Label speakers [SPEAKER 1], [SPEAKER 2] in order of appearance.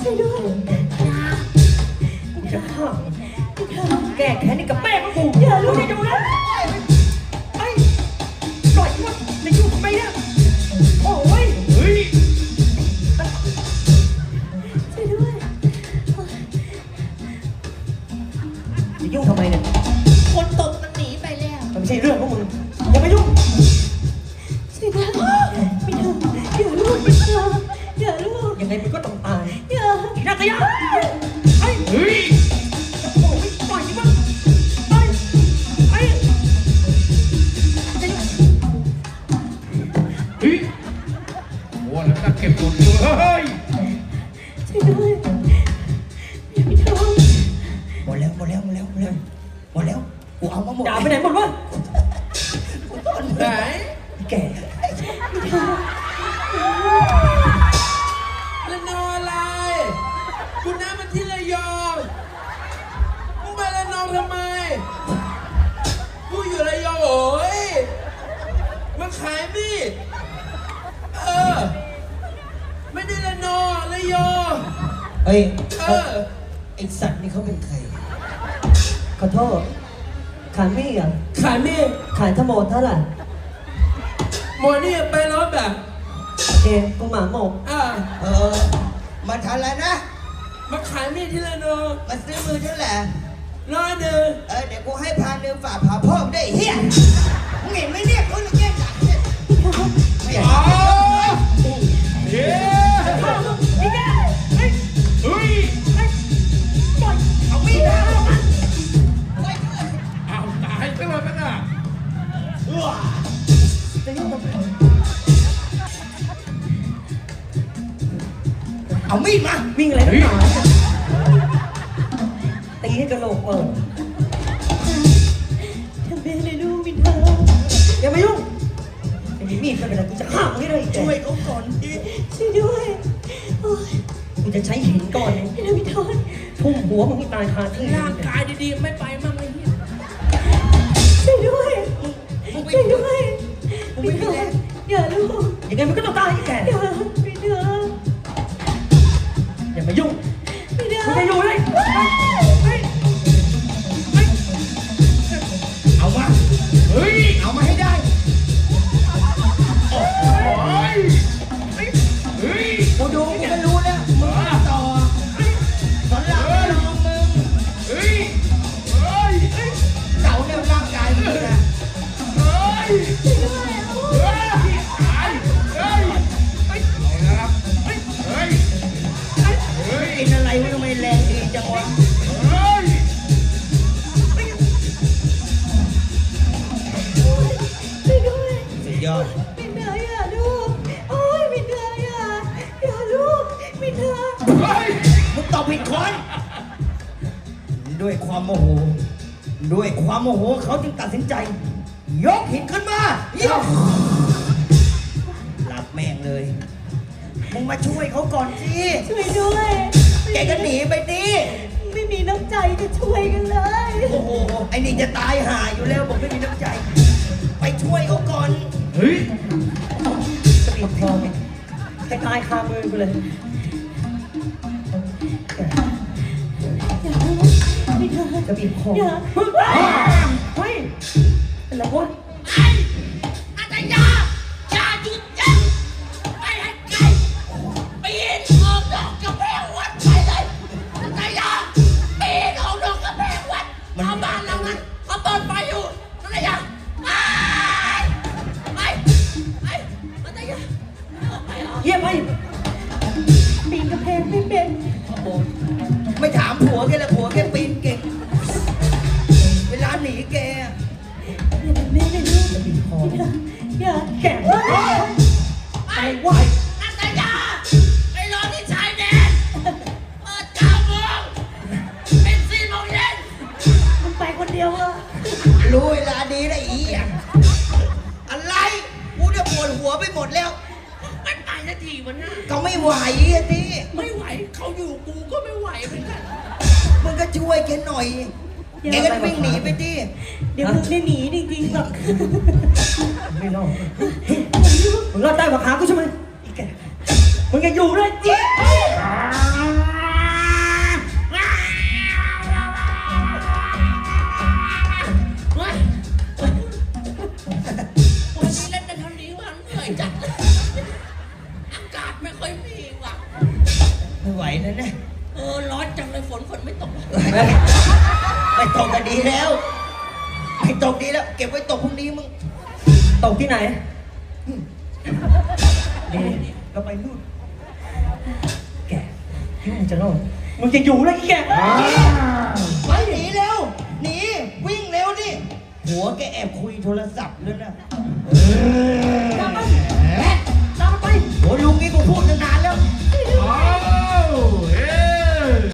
[SPEAKER 1] ช่วยด้วยจะฆ่าแก้แค้นนี่กับแม่ของกูอย่าลูกอย่าดูนะไอ้ปล่อยมันในยุ่งทำไมเนี่ยโอ้ยเฮ้ยช่วยด้วยจะยุ่งทำไมเนี่ย
[SPEAKER 2] คนตกมันหนีไปแล้ว
[SPEAKER 1] มันไม่ใช่เรื่องของมึงอย่ามายุ่ง
[SPEAKER 3] ช่วยด้วยไม่ทำอย่าลูกอย่าลูก
[SPEAKER 1] ยังไงมึงก็ต้องตาย
[SPEAKER 3] อย่า
[SPEAKER 1] นักยะไอ้เฮ้ยโอ้ยปล่อยดิมันไอ้เฮ้ย
[SPEAKER 4] โอ้แล้วก็เก็บตัวเฮ้ย
[SPEAKER 3] ช่วยด้วยอย่าไปทำ
[SPEAKER 2] หมดแล้วกูเอามาหมด
[SPEAKER 1] ด่าไปไหนหมดวะ
[SPEAKER 2] กูต้นไหน
[SPEAKER 1] แก่
[SPEAKER 4] แล้วนอนอะไรกูน้ามันที่ระยองมึงไปละนองทำไมกูอยู่ระยองโอ้ยมันขายมีดไม่ได้ละนองระยอง
[SPEAKER 2] เฮ้ยไอสัตว์นี่เขาเป็นใคร
[SPEAKER 1] ขอโทษขายมีดอ่ะ
[SPEAKER 4] ขายมีด
[SPEAKER 1] ขายทั้งหมดเท่าไหร่
[SPEAKER 4] หมดนี่ไปรถแบบ
[SPEAKER 1] โอเคกูหมาหมก
[SPEAKER 2] มาทันแล้วนะ
[SPEAKER 4] มาขายมีดที่ละนอง
[SPEAKER 2] มาซื้อมือเท่าไหร่
[SPEAKER 4] 100เ
[SPEAKER 2] ดี๋ยวกูให้1,000ฝากผ่าเพิ่มได้เฮียมึงเห็นไหมเนี่ยคนละแก้มหนักเนี่ยไม่
[SPEAKER 4] เ
[SPEAKER 2] อา
[SPEAKER 4] ฮ้ยเฮ้ย
[SPEAKER 2] ปล่อยเอามีดนะ
[SPEAKER 4] เอาตายไปเลยมั้งอ่ะ
[SPEAKER 2] เอามีดมา
[SPEAKER 1] วิ่งอะไรนักหนาตีให้กระโหลกเปิด
[SPEAKER 3] ทำแม่เลยลูกมินทา
[SPEAKER 1] อย่ามายุ่งไอ้มีดไม่เป็นไรกูจะฆ่ามึงให้ได้
[SPEAKER 2] ช่วยเขาก่อนดิ
[SPEAKER 3] ช่วยด้วยโอ้ย
[SPEAKER 1] กูจะใช้หินก่อนเลย
[SPEAKER 3] มินทา
[SPEAKER 1] ทุ่มหัวมึงให้ตายคาที่
[SPEAKER 4] ร่างกายดีๆไม่ไปมั่งเลยเนี่ย
[SPEAKER 3] ช่วยด้วยช่วยด้วยมินทาอย่าลูก
[SPEAKER 1] ยังไงมึงก็ต้องตายไอ้แก่
[SPEAKER 3] อย่ามินทา
[SPEAKER 1] อย่ามายุ่ง
[SPEAKER 3] มินทา
[SPEAKER 1] มึงจะอยู่เลย
[SPEAKER 2] เอามา
[SPEAKER 4] เฮ้ย
[SPEAKER 2] เอามาให้ได้
[SPEAKER 4] โอ้ยเฮ้ย
[SPEAKER 2] กูดูกูก็รู้แล้วมึงต่อสอนรามไม่ลองมึง
[SPEAKER 4] เฮ้ย
[SPEAKER 2] เก่าแนวร่างกายมึงนะ
[SPEAKER 4] เฮ้ยตายเฮ้ยนะครับเฮ้ย
[SPEAKER 2] กินอะไรไม่รู้ไม่แรงดีจังวะ
[SPEAKER 4] เฮ้ย
[SPEAKER 3] ช่วยด้วย
[SPEAKER 2] สุดยอด
[SPEAKER 3] มินทาอย่าลูกโอ้ยมินทาอย่าลูกมินทา
[SPEAKER 4] เฮ้ย
[SPEAKER 2] มึงตอบผิดคนด้วยความโมโหเขาจึงตัดสินใจยกหินขึ้นมายกหลับแม่งเลยมึงมาช่วยเขาก่อนสิ
[SPEAKER 3] ช่วยด้วย
[SPEAKER 2] แกก็หนีไปดิ
[SPEAKER 3] ไม่มีน้ำใจจะช่วยกันเลย
[SPEAKER 2] โอ้โหไอ้นี่จะตายห่าอยู่แล้วบอกไม่มีน้ำใจไปช่วยเขาก่อน
[SPEAKER 4] เฮ้ย
[SPEAKER 1] จะบีบคอมึงให้ตายคามือกูเลยจะบีบคอเฮ้ยเป็นไรวะ
[SPEAKER 2] อาจารย์อย่าหยุดยั้งไม่ให้ไกลปีนออกดอกกระแพงวัดไปเลยอาจารย์อย่าปีนออกดอกกระแพงวัดเอาบ้านเรานั้นเขาเปิดไฟอยู่อาจารย์อย่าไปอาจารย์อย่า
[SPEAKER 1] เยี่ยมไป
[SPEAKER 3] ปีนกระแพงไม่เป็น
[SPEAKER 2] ไม่ถามผัวแกเลยผัวแกปีนเก่งเวลาหนีแก
[SPEAKER 3] อย่าทำแม่เลยลูกอย่า
[SPEAKER 1] แก่ไปไหว
[SPEAKER 2] อาจารย์อย่าไปรอที่ชายแดนเปิด9 โมงเป็น4 โมงเย็น
[SPEAKER 3] มึงไปคนเดียวอะ
[SPEAKER 2] รู้เวลาดีได้อีกอะไรกูจะปวดหัวไปหมดแล้วมันไปสักทีวันหน้าเขาไม่ไหวอ่ะทีไม่ไหวเขาอยู่กูก็ไม่ไหวเหมือนกันมึงก็ช่วยแกหน่อยแกก็วิ่งหนีไปดิ
[SPEAKER 3] เดี๋ยวมึงได้หนีจริงๆหรอก
[SPEAKER 1] ไม่รอดมึงรอดได้กว่าขากูใช่ไหมมึงยังอยู่เลยจิ๊
[SPEAKER 2] ไม่ค่อยมีว่ะไม่ไหวนะเนี่ยร้อนจังเลยฝนไม่ตกไม่ตกก็ดีแล้วไม่ตกดีแล้วเก็บไว้ตกพรุ่งนี้มึง
[SPEAKER 1] ตกที่ไหนนี่เราไปนู่นแกที่มึงจะรอดมึงจะอยู่แล้วไอ้แก
[SPEAKER 2] ไปหนีเร็วหนีวิ่งเร็วดิหัวแกแอบคุยโทรศัพท์เลยนะ